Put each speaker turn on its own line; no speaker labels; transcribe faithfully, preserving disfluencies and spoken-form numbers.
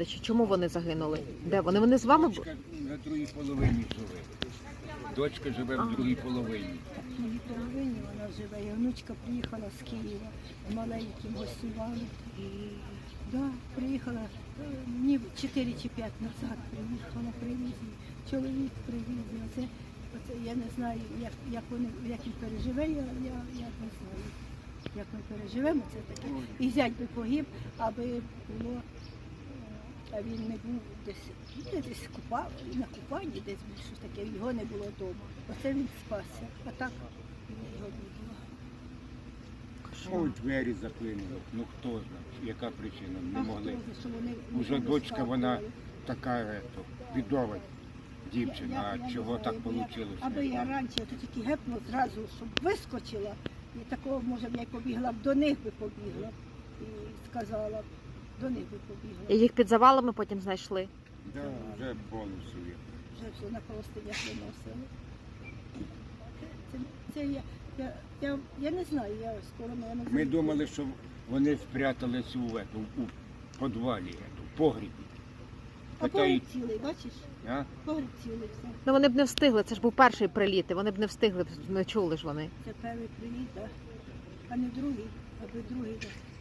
Чи чому вони загинули? Де вони? Вони з вами були?
Дочка на другій половині живе. Дочка живе в другій половині.
В другій половині вона живе. І внучка приїхала з Києва, маленьким гостювали. Да, приїхала, е, ні, чотири чи п'ять назад приїхала, привіз. Чоловік привіз. І Оце, оце я не знаю, як, як, вони, як він переживе, я, я, я не знаю, як ми переживемо це таке. І зять би погиб, аби було, е, а він не був десь, ну, десь купав, на купанні десь був, щось таке, його не було вдома. Оце він спасся, а так його не було.
Ой, двері заклинили. Ну хто знає, яка причина, не
А
могли.
хто знає, що вони
Уже
не
дочка, вона
розказували.
така ето, відова дівчина,
Я- я
а
не
чого
знаю,
так
бо я-
вийшло?
Аби я раніше то тільки гепнула зразу, щоб вискочила, і такого, може, б я й побігла б до них би побігла б, і сказала б, до них би побігла.
І їх під завалами потім знайшли.
Да, вже повністю є.
Вже все на холостинях виносили. Це, це я, я, я, я не знаю, я скоро мене не
Ми
знаю.
думали, що вони спрятались у, ету, у підвалі, ету, в погрібі.
А
Питають,
погріб цілий, бачиш?
а?
Погріб цілий все.
Ну вони б не встигли, це ж був перший приліт, і вони б не встигли, не чули ж вони.
Це перший привіт, так. А не другий, аби другий. Да.